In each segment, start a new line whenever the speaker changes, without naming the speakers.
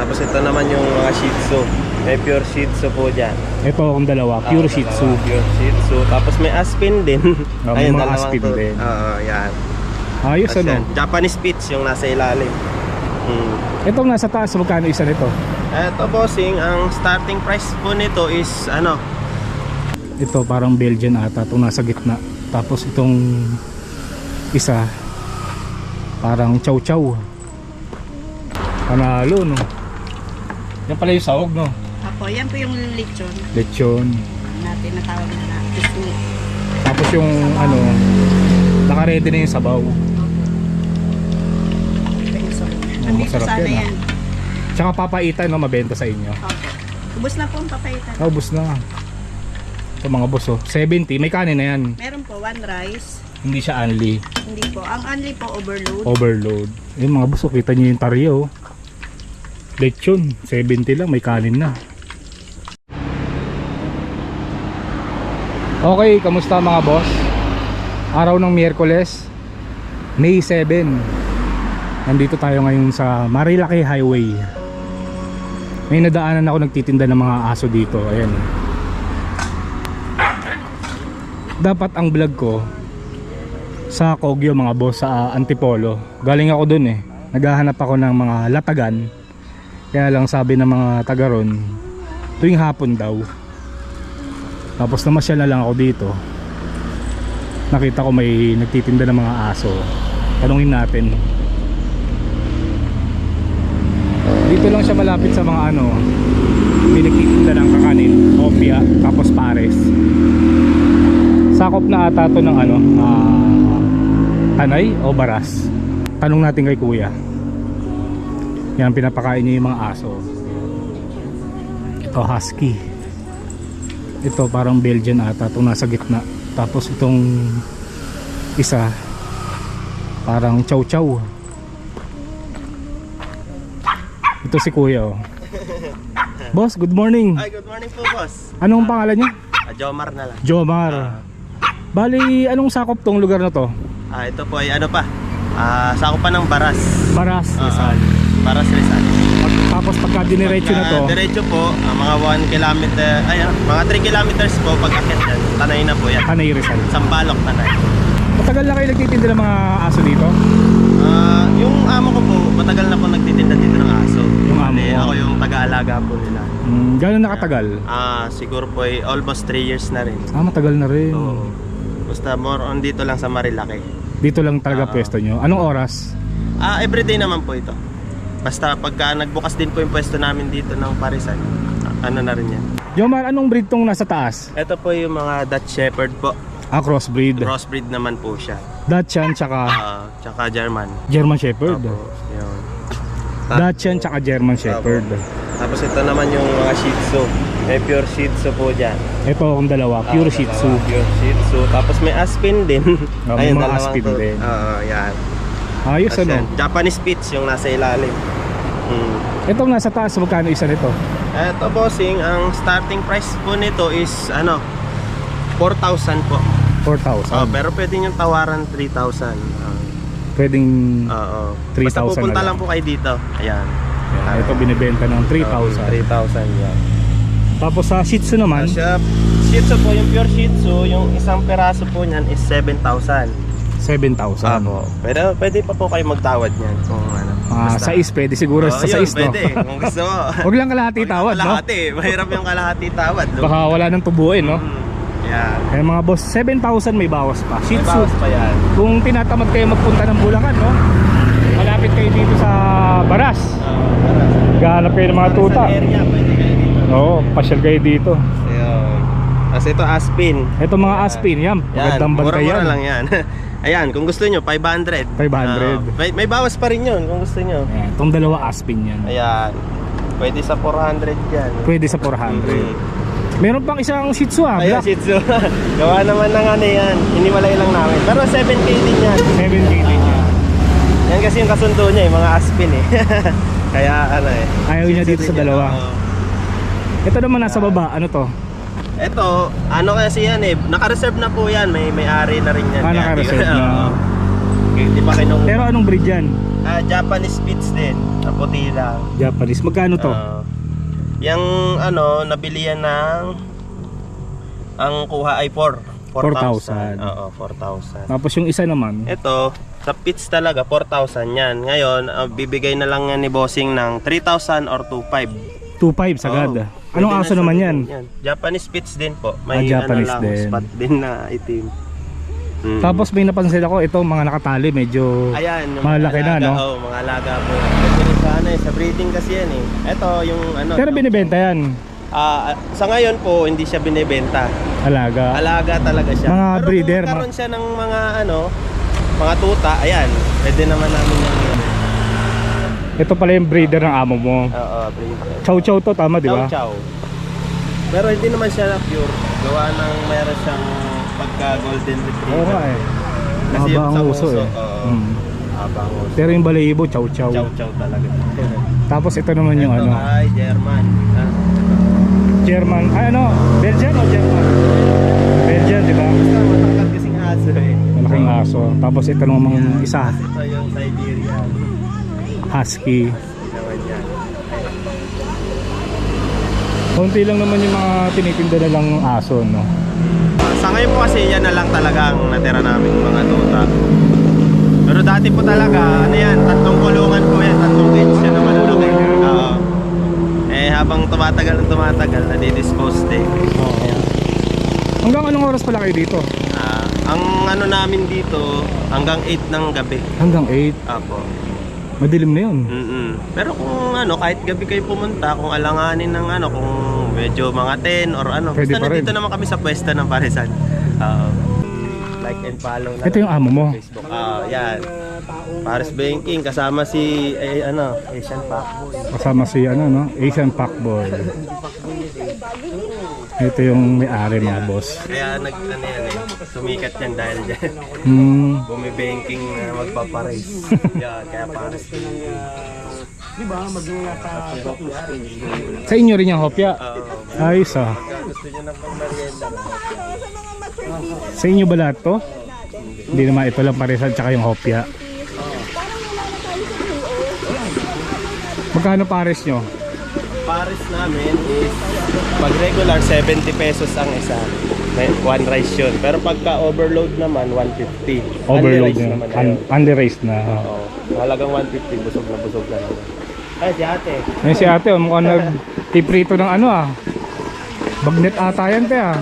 Tapos ito naman yung mga Shih Tzu. May pure Shih Tzu po dyan.
Ito akong dalawa, pure Shih Tzu.
Pure Shih Tzu. Tapos may Aspin din.
May mga Aspin din.
Oo, yan.
Ayos
Tapos
ano?
yan, Japanese Spitz yung nasa ilalim.
Itong nasa taas, magkano isa nito?
Ito bossing, ang starting price po nito is ano?
Ito parang Belgian ata, itong nasa gitna. Tapos itong isa parang chow chow. Panalo no. Yan pala yung sahog no.
Apo, yan po yung lechon
Lechon.
natin natawag na pisngi.
Tapos yung ano, naka-ready na yung sabaw.
Nandito
masarap
sana
yan,
yan.
Tsaka papaitan no, mabenta sa inyo.
Opo. Ubus na po ang papaitan.
Ubus na. Ito mga boss oh, 70, may kanin na yan.
Meron po one rice.
Hindi siya unli.
Hindi po. Ang only po overload.
Overload. Yung mga boss, oh, kita nyo yung taryo. Lechon, 70 lang, may kanin na. Okay, kamusta mga boss? Araw ng Miyerkules, May 7. Nandito tayo ngayon sa Marilaki Highway. May nadaanan ako nagtitinda ng mga aso dito. Ayan. Dapat ang vlog ko sa Kogyo mga boss, sa Antipolo. Galing ako dun eh. Naghahanap ako ng mga latagan. Kaya lang sabi ng mga taga ron, tuwing hapon daw. Tapos namasyal na lang ako dito. Nakita ko may nagtitinda ng mga aso. Tanungin natin. Dito lang siya malapit sa mga ano, may nagtitinda ng kakanin, opia, tapos pares. Sakop na ata to ng ano, Tanay o Baras. Tanong natin kay kuya. Yan, pinapakain niya yung mga aso. Ito husky. Ito parang Belgian ata, itong nasa gitna. Tapos itong isa parang chow chow. Ito si kuya oh. Boss, good morning.
Ay, good morning po boss.
Anong pangalan niya?
Jomar na lang.
Jomar. Bali, anong sakop tong lugar na to?
Ito po ay ano pa? Sakop pa ng Baras.
Baras, Rizal.
Baras Rizal.
Tapos pagka diniretso na to,
Diretso po, mga 1 kilometer, mga 3 kilometers po pag akit yan. Tanay na po yan.
Tanay Rizal.
Sampalok, Tanay.
Matagal na kayo nagtitinda ng mga aso dito?
Yung amo ko po, matagal na po nagtitinda dito ng aso.
Yung amo mo?
Ako yung taga-alaga po nila.
Gano'n nakatagal?
Siguro po ay almost 3 years na rin.
Matagal na rin.
So, basta more on dito lang sa Marilaki.
Dito lang talaga pwesto nyo. Anong oras?
Everyday naman po ito. Basta pagka nagbukas din po yung pwesto namin dito ng Parisan, ano na rin yan.
Jomar, anong breed tong nasa taas?
Ito po yung mga Dutch Shepherd po.
Crossbreed.
Crossbreed naman po siya.
Dachshund tsaka
Tsaka German.
German Shepherd.
Opo, yun.
Dachshund tsaka German Shepherd.
Tapos ito naman yung mga Shih Tzu. May pure Shih Tzu po dyan.
Ito akong dalawa, pure Shih Tzu.
Pure Shih Tzu. Tapos may Aspin din.
May mga Aspin din.
Yan.
Ayos
Tapos
ano?
yan, Japanese Spitz yung nasa ilalim.
Itong nasa taas, magkano isa nito?
Ito bossing, ang starting price po nito is 4,000 po.
4,000.
Pero pwede yung tawaran 3,000.
Pwedeng 3,000
Basta pupunta
na
lang po kayo dito. Ayan.
Ito binibenta ng 3,000.
3,000 yan.
Tapos sa Shih Tzu naman,
Shih Tzu po, yung pure Shih Tzu, yung isang peraso po niyan is 7,000.
7,000.
Pero pwede pa po kayo magtawad niyan kung ano.
Sa is pwede siguro sa
yun,
is no?
pwede. Kung gusto mo.
Huwag lang kalahati tawad no?
Kalahati. Mahirap yung kalahati tawad. No?
Baka wala nang tubuin no?
Yan.
Kaya mga boss, 7,000 may bawas pa. Shih
May
Tzu.
bawas pa yan.
Kung tinatamad kayo magpunta ng Bulacan no? Malapit kayo dito sa Baras. Gahanap kayo ng mga tuta.
Sa area, pwede kayo dito.
Oo, pasyal kayo dito.
Ayun. Kasi ito Aspin.
Ito mga Aspin, yan. Magandang bantay yan.
Mura-mura lang yan. Ayan, kung gusto nyo, 500.
500.
May bawas pa rin yun kung gusto nyo.
Ayan, itong dalawa Aspin yan.
Ayan. Pwede sa 400 yan.
Pwede sa 400. Meron pang isang Shih Tzu
Ayan,
black.
Shih Tzu. Gawa naman ng ano yan. Hiniwalay lang namin. Pero 7K din yan.
7K din yan.
Yan kasi yung kasundo niya, yung mga Aspin eh. Kaya ano eh.
Ayaw niya dito sa dalawa. Ito naman nasa baba, ano to?
Ito, ano kasi yan eh. Naka-reserve na po yan. May ari na rin yan.
Naka-reserve na.
Hindi pa kinukuha.
Pero anong breed yan?
Japanese Spitz din. Na puti lang.
Japanese. Magkano to?
Yung ano, nabili yan ng ang kuha ay 4,000.
4,000.
Oo, 4,000.
Tapos yung isa naman,
Ito, sa pits talaga 4,000 yan. Ngayon, bibigay na lang yan ni Bossing ng 3,000 or 2,500.
2.5 sagad.
Oo.
Anong
Pwede
aso
na
naman
siya
yan?
din Japanese Spitz din po. May
Japanese
ano lang,
din.
spot din na itim.
Tapos may napansin ako, ito mga nakatali medyo
Ayan, yung
malaki
mga
na,
alaga,
no?
Oo, mga alaga po. Ito rin sa ano, sa breeding kasi yan eh. Ito yung ano.
Pero binibenta yan.
Sa ngayon po, hindi siya binibenta.
Alaga.
Alaga talaga siya.
Mga
Pero
breeder,
kung karon siya ng mga ano, mga tuta, ayan, pwede naman namin yung
Ito pala yung breeder ng amo mo.
Oo, breeder.
Chow chow to, tama di ba?
Chow chow. Pero hindi naman siya pure. Gawa ng meron siyang pagka golden retriever.
Oo nga eh.
Kasi
Haba
yung
ang
sa
uso eh.
oo. Haba ang uso.
Pero yung balahibo, chow chow.
Chow chow talaga.
Tapos ito naman yung
Ito
ano,
ay German.
German. Ay ano, Belgian o German? Belgian, di ba?
Basta matangkad kasing aso eh.
Malaking aso. Tapos ito naman isa,
Tapos ito yung Siberian.
husky.
Hindi naman yan.
Konti lang naman yung mga tinitinda na lang aso, no?
Sa ngayon po kasi yan na lang talaga ang natira namin mga tuta. Pero dati po talaga, ano yan, 3 kulungan po yan, 3 cage yan na malalaki. Oo. Eh habang tumatagal, nadi-dispose din.
Hanggang anong oras pala kayo dito?
Ang ano namin dito, hanggang 8 ng gabi.
Hanggang 8.
Apo.
Madilim na yun.
Pero kung ano, kahit gabi kayo pumunta, kung alanganin ng ano, kung medyo mga 10 or ano,
Pwede
basta
pa rin.
nandito naman kami sa pwesto ng Parisan. Like and follow na.
Ito yung amo mo.
Facebook. Yan. Paris Banking kasama si Asian Packboy.
Kasama si ano, no? Asian Packboy. Ito yung may-ari mga boss.
Kaya sumikat yan dahil dyan. Bumi-banking na magpaparais. Yan, kaya Paris Banking.
Sa inyo rin yung hopya? Ayos ah.
Gusto nyo ng pang-merienda.
Sa inyo ba lahat to? Hindi naman, ito lang parisan tsaka yung hopya. Magkano pares nyo?
Paris namin is pag regular 70 pesos ang isa. May one rice yun. Pero pagka overload naman 150.
Overload
Unli-rice
nyo.
naman na yun.
Unli-raised na.
Oo. Halagang 150, busog na naman. Ay, si ate.
Ngayon si ate, mukhang nag-tiprito ng ano ah. Bagnet ata yan te ah.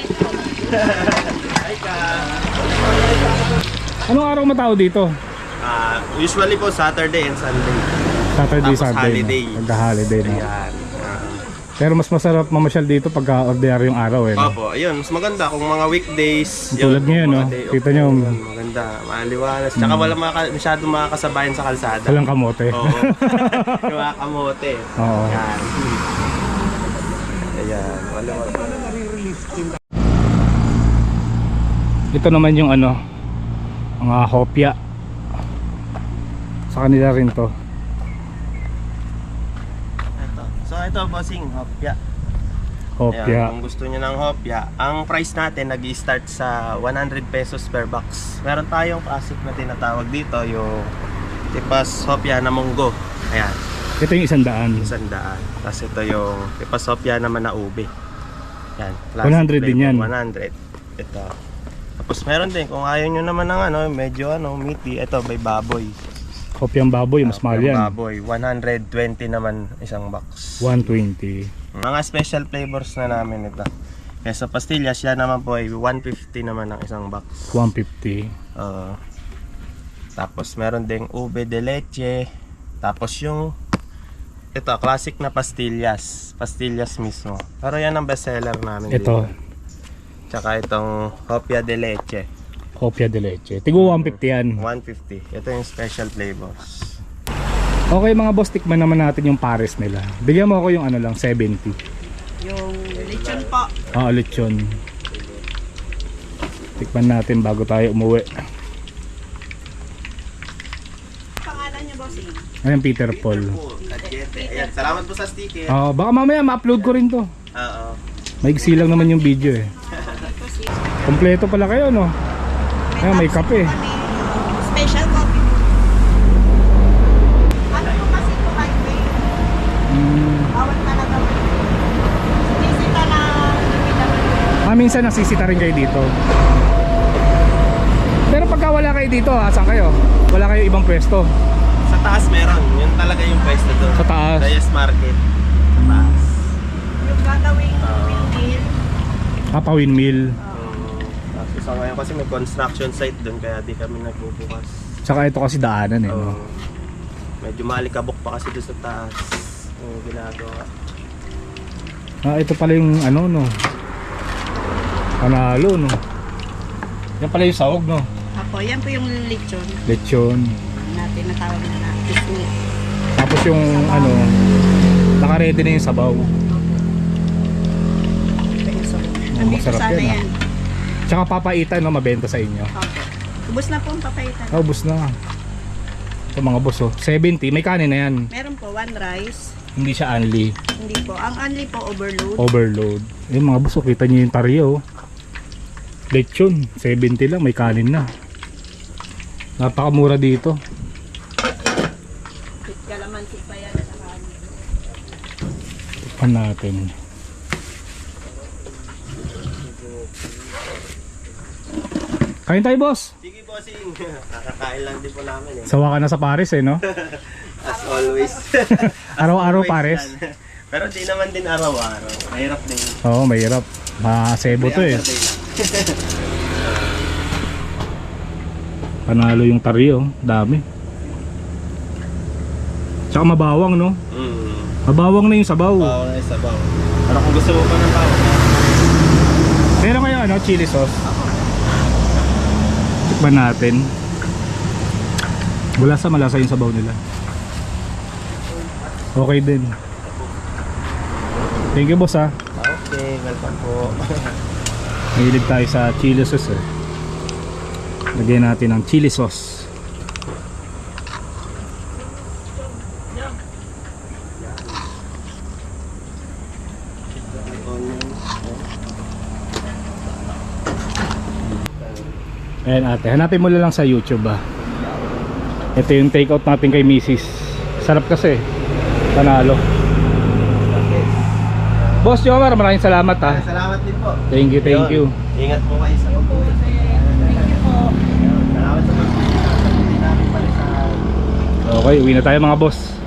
Anong araw matao dito?
Usually po Saturday and Sunday.
Saturday,
Tapos
Sunday.
holiday.
Pagka-holiday na.
Ayan.
Pero mas masarap mamasyal dito pagka ordinary yung araw eh. No?
Opo, ayun. Mas maganda kung mga weekdays.
Tulad ngayon, no?
mga day off
Kita nyo.
po, maganda. Maliwalas. Tsaka wala masyadong makakasabayan sa kalsada.
Walang kamote.
Oo. Yung mga kamote.
Oo.
Ayan. Ayan. Wala.
Ito naman yung ano, mga hopya. Sa kanila rin to.
Ito bossing, hopya.
Hopya.
Ayan, kung gusto niyo ng hopya, ang price natin nag-i-start sa 100 pesos per box. Meron tayong classic na tinatawag dito, yung tipas hopya na munggo. Ayan,
Ito yung 100.
100. Tapos ito yung tipas hopya naman na ube. Ayan,
100 din yan.
100. Ito. Tapos meron din, kung ayaw nyo naman ng ano, medyo meaty, ito may baboy.
Hopyang baboy, mas mahal
Yung
yan.
baboy, 120 naman isang box.
120.
Mga special flavors na namin ito. Kaya sa pastillas, yan naman po ay 150 naman ang isang box.
150.
Tapos meron ding ube de leche. Tapos yung ito, classic na pastillas. Pastillas mismo. Pero yan ang bestseller namin
Ito,
dito. Tsaka itong hopia de leche.
hopya de leche. Tigo 150 yan.
150. Ito yung special flavors.
Okay mga boss, tikman naman natin yung pares nila. Bigyan mo ako yung ano lang, 70.
Yung lechon po.
Lechon. Tikman natin bago tayo umuwi.
Pangalan niyo, bossing?
Ayan, Peter Paul.
Ayan, salamat po sa sticker.
Baka mamaya ma-upload ko rin to.
Oo.
Maigsi lang naman yung video eh. Kompleto pala kayo, no? Ayan, may kape.
Special coffee.
minsan nasisita rin kayo dito. Pero pagka wala kayo dito, asan kayo? Wala kayo ibang pwesto?
Sa taas meron. Yun talaga yung pwesto doon.
Sa taas?
Reyes Market. Sa taas.
Yung gagawing windmill.
Papa-windmill.
Kasi sa ngayon kasi may construction site doon kaya di kami nagbubukas.
Tsaka ito kasi daanan eh.
Oo.
No?
Medyo maalikabok pa kasi doon sa taas. Yung ginagawa.
Ito pala yung ano no. Panalo no. Yan pala yung sahog no.
Apo, yan po yung lechon
Lechon.
na tinatawag na pisngi.
Tapos yung ano, naka-ready na yung sabaw.
Nandito
masarap
sana
yan,
yan.
Tsaka papaitan no, mabenta sa inyo.
Opo. Ubus na po ang papaitan.
Ubus na. Ito mga boss oh. 70, may kanin na yan.
Meron po one rice.
Hindi siya unli.
Hindi po. Ang only po overload.
Overload. Yung mga boss oh, kita nyo yung taryo oh. Lechon, 70 lang, may kanin na. Napakamura dito.
Kalamansi pa yan.
Tikman natin. Kain tayo boss.
Sige bossing. Nakakain lang din po namin eh.
Sawa ka na sa Paris eh no?
As always.
Araw-araw
Always
Paris.
yan. Pero di naman din araw-araw. Mahirap din.
Oo, mahirap. Masebo to eh.
May other day lang.
Panalo yung taryo, dami. Tsaka mabawang no? Mabawang na yung sabaw.
Bawa na yung sabaw. Pero kung gusto mo pa ng bawa.
Meron kayo ano, chili sauce. Tikman natin. Malasa yung sabaw nila. Okay din. Thank you boss ha.
Okay, welcome po.
Mahilig tayo sa chili sauce eh. Lagyan natin ng chili sauce. Ayan ate, hanapin mo lang sa YouTube ah. Ito yung take out natin kay Mrs. Sarap kasi. Panalo. Boss Jomar, maraming salamat ha.
Salamat din po.
Thank you, thank you.
Ingat po kayo sa pagbuhay. Thank you po. Salamat sa pagbuhay namin pala sa
Okay, uwi na tayo mga boss.